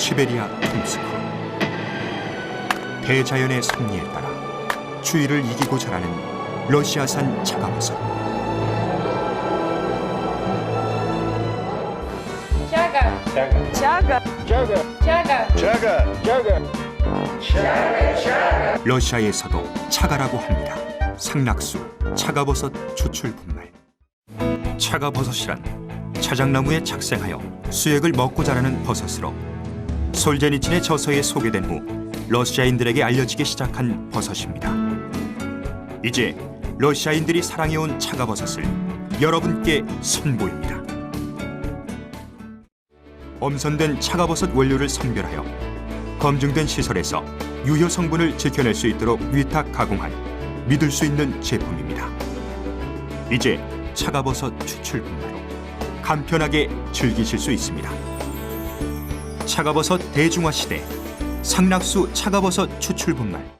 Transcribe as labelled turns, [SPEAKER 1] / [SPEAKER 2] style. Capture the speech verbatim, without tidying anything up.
[SPEAKER 1] 시베리아 톰스크. 대자연의 섭리에 따라 추위를 이기고 자라는 러시아산 차가버섯.
[SPEAKER 2] Чага,
[SPEAKER 3] Чага.
[SPEAKER 2] чага, чага.
[SPEAKER 1] 러시아에서도 차가라고 합니다. 상락수, 차가버섯 추출 분말. 차가버섯이란 차장나무에 착생하여 수액을 먹고 자라는 버섯으로 솔제니친의 저서에 소개된 후 러시아인들에게 알려지기 시작한 버섯입니다. 이제 러시아인들이 사랑해온 차가버섯을 여러분께 선보입니다. 엄선된 차가버섯 원료를 선별하여 검증된 시설에서 유효 성분을 지켜낼 수 있도록 위탁 가공한 믿을 수 있는 제품입니다. 이제 차가버섯 추출 분말로 간편하게 즐기실 수 있습니다. 차가버섯 대중화 시대 상락수 차가버섯 추출 분말.